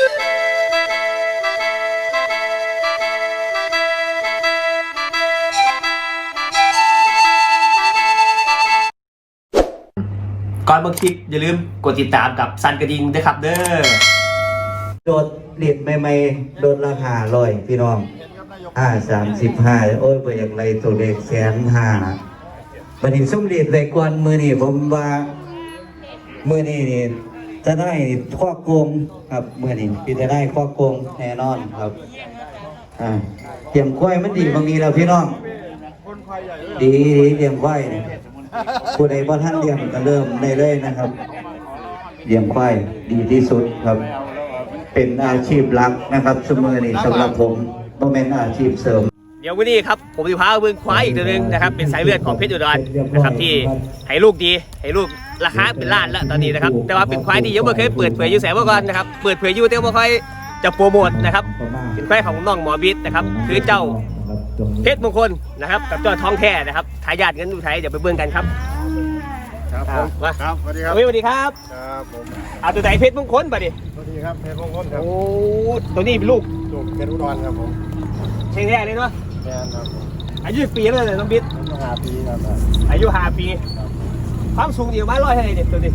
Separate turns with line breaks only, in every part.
ก่อนเบิ่งคลิปอย่าลืมกดติดตามกับสั่นกระดิ่งด้วยครับเด้อ
โดดเหรียญใหม่ๆโดดราคา100พี่น้อง35โอ้ยบ่อยากไรตัวเลข150,000บัดนี้ซุ่มเหรียญได้กวนมื้อนี้ผมว่ามื้อนี้นี่จะได้ข้อโกงครับมื้อนี้พี่จะได้ข้อโกงแน่นอนครับเตรียมควายมันดีบางนี้แล้วพี่น้องดีเตรียมควายผู้ใดบ่ทันเตรียมก็เริ่มได้เลยนะครับเลี้ยงควายดีที่สุดครับเป็นอาชีพหลักนะครับสมัยนี้สำหรับผมบ่แม่นอาชีพเสริม
เดี๋ยววันนี้ครับผมจะพาเบิ่งควายอีกตัวนึงนะครับเป็นสายเลือดของเพชรอุดรนะครับที่ให้ลูกดีให้ลูกราคาเป็นล้านแล้วตอนนี้นะครับแต่ว่าเป็นควายที่ยังไม่เคยเปิดเผยอยู่แสนมาก่อนนะครับเปิดเผยอยู่แต่ไม่ค่อยจะโปรโมทนะครับเป็นควายของน้องหมอบิ๊ดนะครับคือเจ้าเพชรมงคลนะครับกับเจ้าท้องแท้นะครับทายาทเงินอุทัยเดี๋ยวไปเบิ่งกันครับ
ครับผมครับสวัสดีครับ
สวัสดีครับ
ครับผม
เอาตัวไหนเพชรมงคลป่ะดิ
สวัสดีครับเพชรมงคลครับ
โอ้ตัวนี้เป็นลูก
เพชรอุดรครับผม
เชียงแท้เลยเนาะ
แม่ครับ
อายุปีแล้วเลยน้องบิ๊ด
อายุ5 ปีครับ
อายุ5 ปีความสูงอยู่มา100เท่าไหร่เนี่ยตัวนี้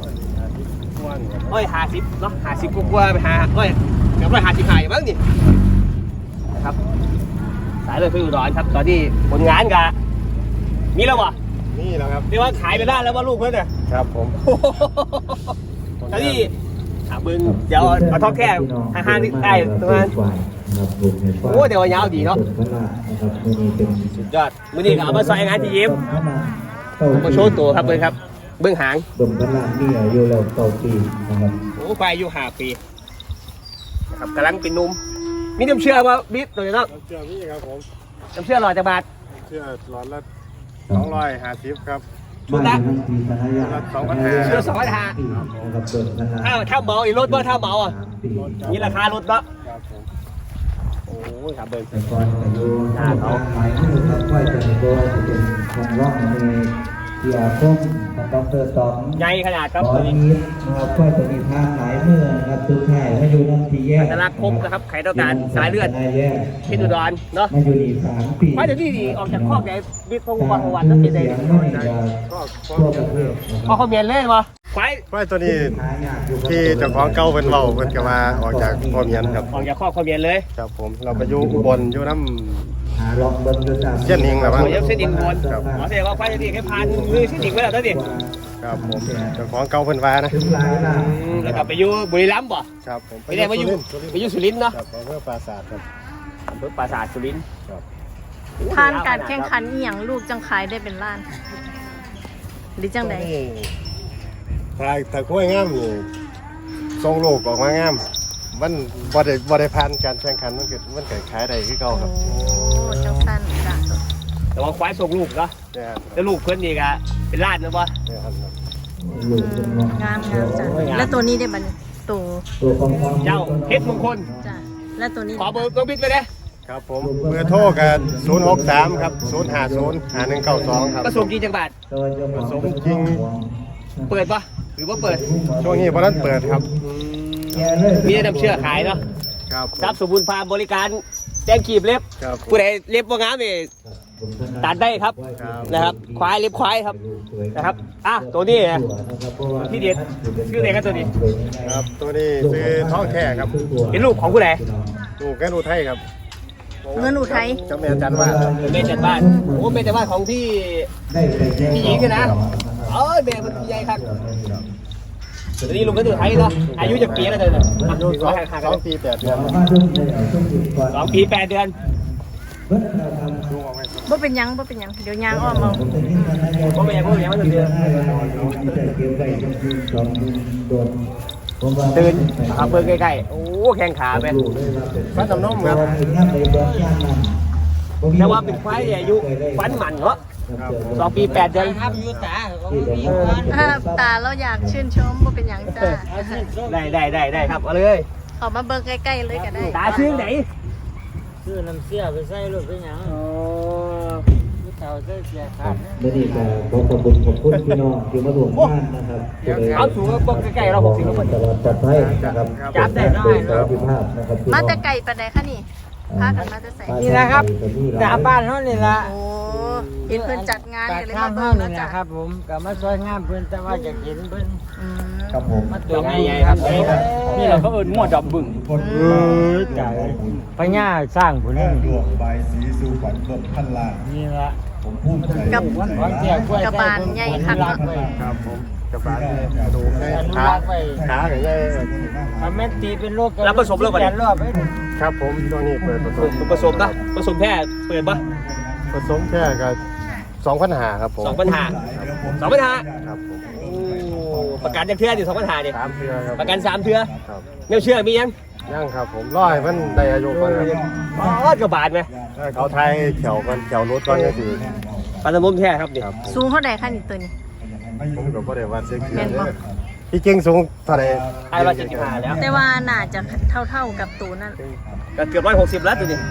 150เนาะ50กว่าไปเกือบ155อยู่มั้งนี่นะครับสายเลยเพชรอุดรครับตอนนี้ผลงานกับมีแล้ววะ
นี่แล้วครับ
เรียกว่าขายไปได้แล้วว่าลูกเพื่อนเนี่ย
ครับผม
ตอนนี้เบิ้งเดี๋ยวเอาท้องแค่ห่างๆนิดได้ตรงนั้นโอ้เดี๋ยวยาวดีเนาะสุดยอดมื้อนี้ก็เอามาใส่งานที่ยิ้มมาโชว์ตัวครับเบิ้งครับเบิ้งหาง
ดมพลังนี่อายุเรา9 ปีนะครับ
โอ้ควายอายุ5 ปีนะครับกำลังเป็นนุ่มมีน้ำเชื่อว่าบิ๊กตัวนี้เนาะ
เชื่อพี่ครับผม
น้ำเชื่อหล่อจากบาท
เชื่อหลอดละ250ครับ
ชุดละ
2,500
เชื่อ2,500ถ้าเมาอีกรถว่าถ้าเมาอ่ะนี่ราคารถละโอ้ยครับเบิ้ง
ก่อนจะดูหน้าเขาหมายถึงครับว่าจะเป็นตัวจะเป็นคนร้องในเกี่ยวกับดร.ตอง
ใหญ่ขนาดครับ
ตอนนี้นะครับก็จะมีทางหลายเมื่อนะครับทุกท่ายมาอยู่น้ำที่แยก
ตลาดครบนะครับไข่ต้องการสายเลือดเพชรอุดรเนาะ
มาอยู่นี่3 ปี
เพราะเดี๋ยวนี้ออกจากครอบใหญ่บิ๊กพงศ์วันต้องเป็นเด็กพอเขาเมียนเล่นวะ
ควายตัวนี้ที่เจ้าของเก่าเป็นเบาเป็นกว่าออกจากพ่อเมียนครับ
ออกจากครอบเขาเมียนเลย
ครับผมเราไปอยู่อุบลอยู่น้ำเส้นหิงแบบว่า
เส้นหิงบนอ๋อแสดงว่าควายตัวนี้แค่พันมือเส้นหิงไว้แล้วตัวนี้
ครับผมเจ้าของเก่าเป็นว่านะ
แล้วกลับไปอยู่บุรีรัมย์ป่ะ
ครับผม
ไปได้มาอยู่สุรินทร์เนาะ
ครับอำเภอปราสาทครับ
อำเภอปราสาทสุรินทร์
ผ่านการแข่งขันอีหยังลูกจังขายได้เป็นล้านหรือจังใด
ถ้าคุ้ยงามนี่ทรงโลกออกมางามมันบ่ได้ผ่านการแข่งขันมันเกิดขายได้คือเก่าครับ
โอ้จังสั้นจ้ะ
แต่ว่าควายส่งลูกเนาะแล้วลูกเพื่อนนี่ก็เป็นล้านนะป่ะ
งามจ้ะแล้วตัวนี้ได้บันตัว
เจ้าเพชรมงคล
จ้ะแล้วตัวนี้
ขอเบอร์ต้องบิดไปเลย
ครับผมเบอร์โทรกัน063ครับ0505192ครับ
ผสมกี่จังบาท
ผสมจริง
เปิดปะหรือว่าเปิด
ช่วงนี้เพราะนั้นเปิดครับ
มีน้ำเชื่อขายเนาะ
ครับ
ทรัพย์สมบูรณ์ฟาร์มบริการแจ้งขีบเล็บผู้ใดเล็บว่างามนี่ตัดได้ครับนะครับควายเล็บควายครับนะครับตัวนี้ที่เด็ดชื่ออะไรครับตัวนี้
ครับตัวนี้คือท้องแท้ครับ
เป็นลูกของผู้ใด
ลูกแกนูไทยครับ
เงินอุทัย
เจ้าแม่จันบ้าน
แม่จันบ้านโอ้แม่จันบ้านของพี่หญิงนะแม่มันพี่ใหญ่ครับตอนนี้ลุงก็อยู่ไทยเนาะอายุจะปีแล้วเลย
อายุ2 ปี 8 เดือน
2 ปี 8 เดือน
บ่เป็นยังเดี๋ยวยางอ้อมเอา
บ่เป็นยังมันเดือนตื่นเอาเปิดใกล้ๆโอ้แข้งขาไป
ฟันน้ำนมครับ
แต่ว่าเป็นควายอายุฟันหมันเหรอ2 ปี 8 เดือนครับอยู่
ตาเราอยากชื่นชมบ่เป็นยังจ้า
ได้ครับเอาเลย
ขอมาเบิ่งใกล้ๆเลยก็ได้
ตาชื่อไหน
ชื่อน้ำเสียไปใส่รถเป็นยัง
เมื่อนี้ก็ขอขอบคุณพี่น้องที่มาร่วมงานนะครับ
เอาสูงก็ปกใกล้ๆเรา60แล้ว
ตลอดปลอดภัยนะครับ
จับได้
โดยสวัสดิภาพนะครับ
มาแต่ไก่ปานใดคะนี่พากันมาแต่ใส่
นี่แหละครับดาบ้านเขานี่ละ
โอ้เห็นเพิ่นจัดงาน
ปาก
ก็เลย
ข้า
มา
ง
เบิ่
เขา
ง
นี่
แล้ว
แห
จ้ะ
ละครับผมก็มาช่วยงานเพิ่นแต่ว่าอยากเห็นเพิ่น
อืม
ครับผม
มาตัว
ใหญ่ๆครับ
นี่เราก็เอิ้นงัวดำบึ้งไก่พญาสร้างผู้นี้
ดวงใบสีสู่ขวัญเพิ่มพันล้าน
นี่ละ
ผมภูมิใจ
กับ
วันของเที่ยวกล้วย
กระบาลใหญ่คักเนาะ
ครับผมกระบาดดูได้
อนุ
ขา
รักษ์ไว้
ขากันได้
ถ้าแม่นตีเป็นโรค
แล้วผสมแล้วบ่เนี่ย
รอบไป
ครับผมตัวนี้เปิดผสม
ผสมก็ผสมแค่เปิดปะ
ผสมแค่กับ2,500ครับผม
2,500
ครับผม
โอ้ประกันจังเทื่อดิ2,500ดิ
3เทื่อครับ
ประกัน3เทื่อ
ครับ
แนวเชื่อมียัง
ยังครับผมร้อยมันได้อายุก่อนครับ
อ๋อกระบาดไหม
เขาไทยเขียวกันเขียวรถก่อนก็คือ
ปลาตะมุมแท้ครับนี่
ครับ
สูงเท่าใดคะนี่ตัวนี้
ผมก็บ่ได้ว่าเซ็กซี่
แม่นบ่
ที่จริงสูงเท่าไหร่
ไอ้175แล้ว
แต่ว่าน่าจะเท่ากับตัวนั้น
ก็เกือบ160แล้วตัวนี้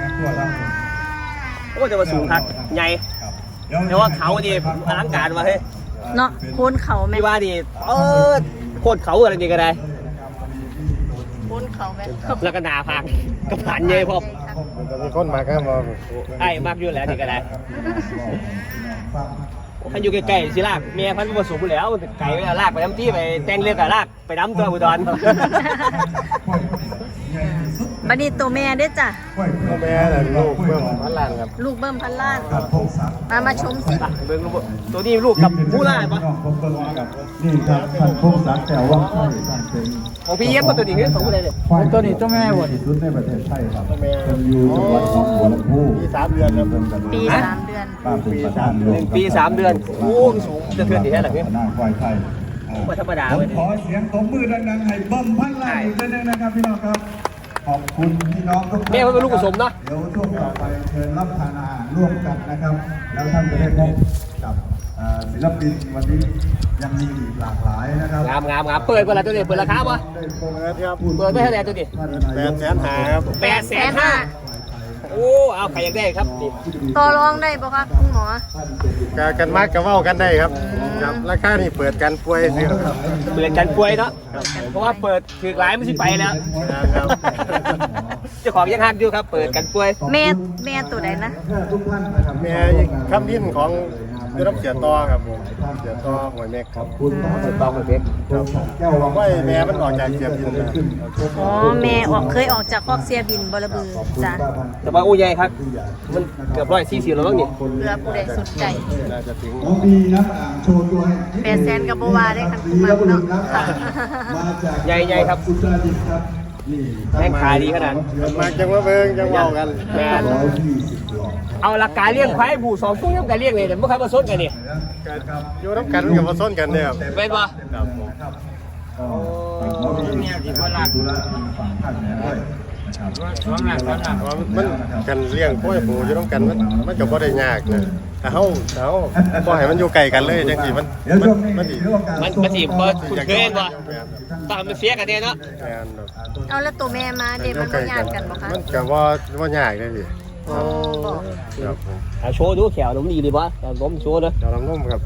โอ้แต่ว่าสูงครับใหญ่แต่ว่าเขาดิอลังการว่ะเฮ้ย
เนาะโคนเขาแม่
พี่ว่าดิโคตรเขาอะไรนี่ก็ได้
โคนเขาแม่
แล้วก็หนาพังกระผานใหญ่พร้อม
มันจะมีคนมาก็มา
ไอ้มากอยู่แล้วนี่ก็ได้ท่านอยู่ใกล้ๆสิลากเมียพันธุ์ผสมอยู่แล้วไก่ไปลากไปน้ำที่ไปแต่งเรื่องกับลากไปน้ำตัวอุดร
บัดนี้ตัวแม่เด้อจ้ะ
พ่อแม่น่ะลูกเบิ่มพันล้านครับ
ลูกเบิ่มพันล้านมาชมสิ
เบิ่งลูกตัวนี้ลูกกับมูล่าปะ
นี่ครับท่านพงศักดิ์แต่ว่าไทยท่านเป็น
ของพี่เย็บมาตัวนี้คือของผู้ใดเนี่ย
ตัวนี้ตัวแม่บ่
ที่สุดในประเทศไทยครับเป็นอยู่จังหวัดหนองบัวลำพู
ปี3เดือนครับ
ปี3 เดือน
ป้าเป็นประธานโรง
1 ปี 3 เดือนโอ้สูงจะเทือนดีแค่ไหนพี่
คณะควายไทย
ไม่ธรรมดา
ผม
เลย
ขอเสียงตบมือดังๆให้เบิ้มพันล้านอีกทีนึงนะครับพี่น้องครับ ขอบคุณพี่น้องทุกท่าน
แม่เขาเป็นลูกผสมเนาะ
เดี๋ยวช่วงต่อไปเชิญรับทานอาหารร่วมกันนะครับ แล้วท่านจะได้พบกับศิลปินวันนี้ยังมีอีกหลากหลายนะครับ
งามเปิดเวลาตัวนี้เปิดราคาปะ
ครับ
เปิดไม่เท่าไหร่ตัวนี้
800,000ครับ
850,000โอ้เอาใครอยากได้ครับนี่
ต่อรองได้บ่คะคุณหมอ
กันมากก็เว้ากันได้ครับครับราคานี่เปิดกันป่วยซื้อครับ
เปิดกันป่วยเนาะเพราะว่าเปิดถือหลายมันสิไปแล้ว
ครับ
เจ้าของยังฮักอยู่ครับ เปิดกันป่วย
แม่ตัวใดนะ
ทุกท่านนะครับ
แม่คำพินของได้รับเสียต่อครับผมเสียต่อหวยเมฆครับ
คุณหมอ
เปิดต้องกับเพ็ก
ครับแก้วว่าไม่แม่มันออกจากเสียพินแล้ว
อ๋อแม่เคยออกจากคอกเสียบินบลบือจ้ะ
แต่ว่าอู้ใหญ่ครับ มันเกือบ140แล้วมั้งนี่
เพื่อผู้ใดสนใจ
น่าจะถึง
น้องบีนะโชว์ตัวให้
800,000กับบ่ว่าได้คันคุณมาเนาะค่ะ
มาจาก
ใหญ่ครับ
อุตรดิตถ์ครับนี่
แม่งขายดีขนาด
มาจังว่าเบิ่งจังเว้ากัน
แม่น
120หลอด
เอาหลักการเลี้ยงควายบู่2ตัวยังการเลี้ยงเลยแต่ไม่เคยมาสนกันนี่
อยู่น้ำกันกับมาส้นกันเนี่ยครับ
เป็นปะ
ครับผม
ก็น้องบีที่ว่าธุระฝั่งท่านเนี่ยด้วยนะครับ
ว่ามันกันเลี้ยงกล้วยปูอยู่น้ำกันมันก็บ่ได้ยากนะแต่เฮาบ่ให้มันอยู่ไกลกันเลยจังซี่มัน
เดี๋ยวช่วงนี้
มันสิ
เรื่องการ
มันจีบพอคุณเคยเห็นปะตามมันเสียกันเนี่ยเนาะ
แม่น
เอาแล้วตัวแม่มาเด็มันบ่ญาติกันบ่คะ
มันก็บ่ยากเลยพี่
อ๋อบ่
ครับผม
เอาโชว์ดูแขวน้ำดีดีปะล้มโชว์นะ
เดี๋ยวน้ำนมครับ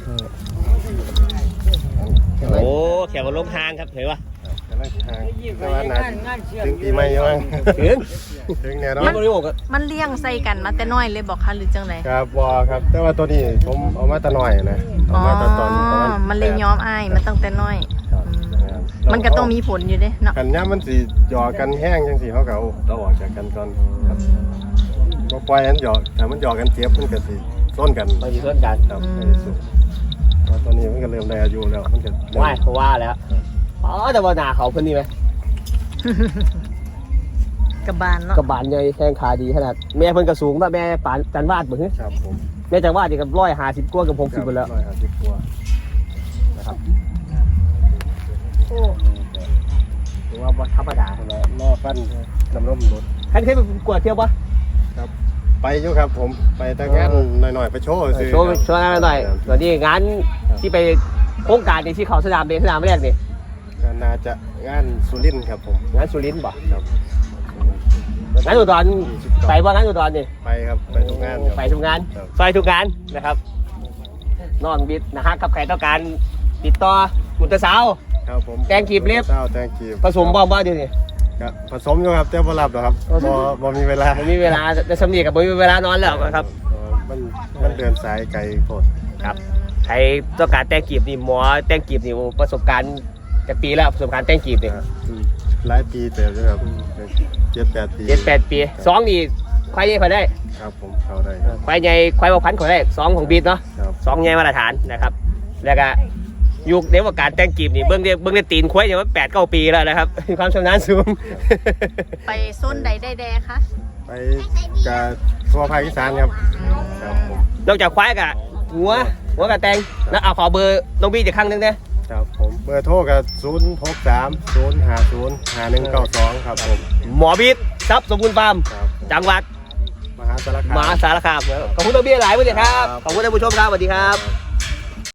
โอ้แขวล้มหางครับเห็นปะ
กำลังทางแต่ว่าน่าถึงปีใหม่ยัง
ถึง
ถึงแน่นอ
มัน
น
บริโภค
มันเลี้ยงใส่กันมาแต่น้อยเลยบอกคะหรือจังได
ครับบ่ครับ แต่ว่าตัวนี้ผมเอามาแต่น้อยนะเอา
อ๋อ
มาแต่ตอนประมาณ
มันเลยย้อมอ้ายมาตั้งแต่น้อย
ครับ
อืมมันก็ต้องมีผลอยู่เด้เนาะ
กันย่ามมันสิหยอกกันแห้งจังสิเขาก็เอาต้องออกจากกันก่อนครับบ่ปล่อยให้มันหยอกถ้ามันหยอกกันเจ็บมันก็สิซ้นกัน
มันมีเพื่อนกัน
ครับในที่สุดเพราะตอนนี้มันก็เริ่มได้อายุแล้วมันก็เริ่ม
ว่าเขาว่าแล้วอ๋อแต่ว่าหนาเขาเพิ่นนี่ไหม
กระบาลเนาะ
กระบาลใหญ่แข้งขาดีขนาดแม่เพิ่นกระสูงป่ะแม่ปานจันวาดบ่ฮึ
ครับผม
แม่จันวาดนี่กับ150กว่ากับ60ไปแล้ว
150กว่า
นะครับโอ้ถือว่าบ่ธรรมดาเลย
รอฟันน้ำนมรถ
ท่านเคยไปกวดเที่ยวปะ
ครับ ไปอยู่ครับผมไปแต่งานหน่อยๆไปโชว์ซื้อ
โชว์งานหน่อยส่วนนี้งานที่ไปโครงการที่เขาสนามเด็กสนามแรกนี่
ก็น่าจะงานสุรินทร์ครับผม
งานสุรินทร์บ่
ครับ
งานอุดรไปบ่งานอุดรนี่
ไปครับไปทุกงานครับ
ไปทุกงาน
ครับ
ซอยทุกงานนะครับน้องบิดนะฮะกับใครต้องการติดต่อมุตสาว
ครับผม
แตงกีบเล็บ
เจ้าแตงกีบ
ผสมบ่เดี๋ยวนี้
ครับผสมอยู่ครับแต่บ่รับหรอกครับบ่มีเวลา
ไม่มีเวลาจะสำเนียกับไม่มีเวลานอนแล้วครับ
มันเดินสายไกลโคตร
ครับใครต้องการแตงกีบนี่หมอแตงกีบนี่ประสบการณ์จากปีแล้วประสบการณ์แตงกีบนี่
หลายปีเต็มเลยครับ7-8 ปี
7-8 ปี2นี่ควายใหญ่เขาได้
ครับผมเข้าได้ครับ
ควายใหญ่ควายบกพันธุ์เขาได้2ของบีดเนาะ
ครับ
2ใหญ่มาตรฐานนะครับแล้วก็ยุคในวงการแตงกีบนี่เบื้องได้ตีนควายอย่างว่า8-9 ปีแล้วนะครับมีความชำนาญสูง
ไปโซนใดได้แดคะ
ไปกับทั่วภาคอีสานครับครับผม
นอกจากควายกับหัวกับแตงแล้วเอาขอเบอร์น้องบีอีกครั้งหนึงนะครับ
ผมเบอร์โทรกับ063-050-5192ครับผม
หมอบีดทรัพย์สมบูรณ์ฟาร์ม
ครับ
จังหวัด
มหาสารคาม
มหาสารคามขอบคุณน้องบีหลายวันเดียวครับ
ครับ
ขอบคุณท่านผู้ชมครับสวัสดีครับ
ครับ